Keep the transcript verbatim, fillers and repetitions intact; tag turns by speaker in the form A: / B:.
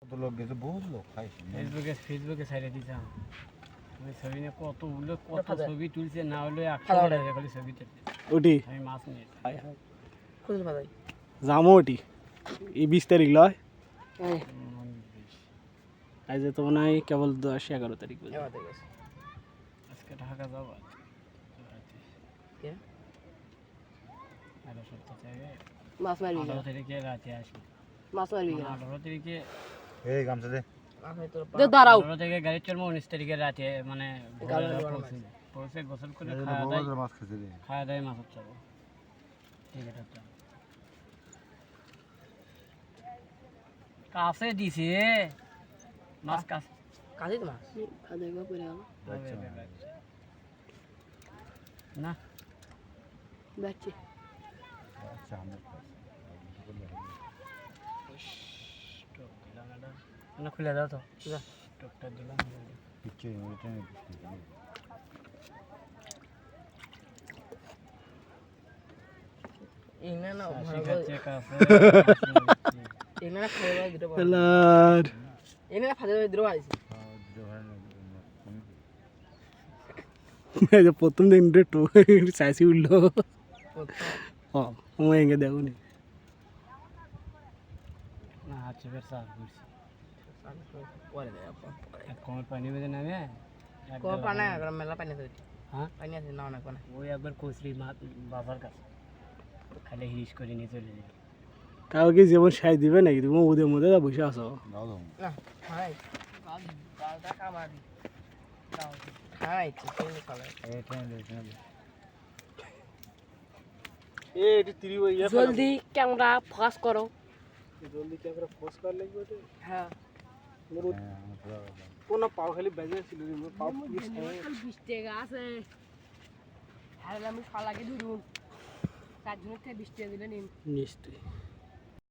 A: কত লোক গেছে, বহুত লোক খাইছে।
B: ফেসবুকে ফেসবুকে ছাইড়ে দিতাম আমি ছবি নিয়ে কত উল্লো কত ছবি তুলছে না হলে একশো টাকা খালি ছবি তুলছে
C: ওটি
B: আমি মাছ নিয়ে
D: খুঁজে পাই
C: যামো ওটি এই বিশ তারিখ লয় আজ তো মনে হয় কেবল দশ এগারো তারিখ বুঝলি।
B: আজকে ঢাকা যাবো
D: কে?
B: আঠারো সপ্তাহ থেকে
D: মাছ মারবি
B: আঠারো তারিখে রাতে আসবি
D: মাছ মারবি
B: আঠারো তারিখে
A: এই গামছা দে।
D: দাঁড়াও
B: আঠারো তারিখে গাড়ি চলবো উনিশ তারিখে রাতে মানে পৌঁছে পৌঁছে গোসল করে
A: এই যে
B: খাওয়া
A: বড়
B: দাওয়া
A: বড় মাছ খেতে দে।
B: খাওয়া দাওয়া মাছ চাবো ঠিক আছে কাছে দিছে মাছ কাছে
D: কাজে তো মাছ খাদে গো পড়ে গেল
B: না
D: বাচ্চা
A: আচ্ছা আমরা
B: স্টক দিলাম এটা না খুলে দাও তো
D: যা
B: স্টকটা দিলাম
A: পিচ্ছে ওইটা নিয়ে দিচ্ছি।
D: ইনা না
B: ঠিক আছে কাছে
D: ইনা না খাওয়া দাওয়া দিতে পারো
C: এলার
D: ইনা না খাওয়া দাওয়া দিতে পারো
A: খাওয়া দিতে পারে না, কমে
C: এই যে প্রথম দিন একটু চাইছি উঠলো হ্যাঁ সময় এগে দেখো নি
B: না হাত চেপে সার করছি
D: পরে দেয় পরে
B: এক কমের পানি বেঁধে নামে এক
D: কো পানা মেলা পানি আছে
B: হ্যাঁ
D: পানি আছে না না কোনা
B: ওই একবার কচরি মাছ বাবার কাছে খালি হিরিস করে নিয়ে চলে যাবে
C: কাউকে যেমন সাই দিবে নাকি তুমি ওদের মধ্যে যা বসে আসো
A: দাও দাও।
D: না হাই গালটা কামাবি দাও হাই চিকেন খালে
A: এইটা নিয়ে দে, এইটা নিয়ে দে।
C: এ এটি তিরি ইয়া
D: জলদি ক্যামেরা ফোকাস করো
C: জলদি ক্যামেরা ফোকাস কর লাগবে তো
D: হ্যাঁ
C: মোর
A: হ্যাঁ, আমরা পুরো দাও।
C: কোন পাও খালি বেজে ছিল রে মোর পাও পুলিশ
D: বিশ টাকা আছে হ্যাঁ আমি ফালাকে ধরুন চার জনের থেকে বিশ টাকা দিলে নিন
C: নিশ্চয়ই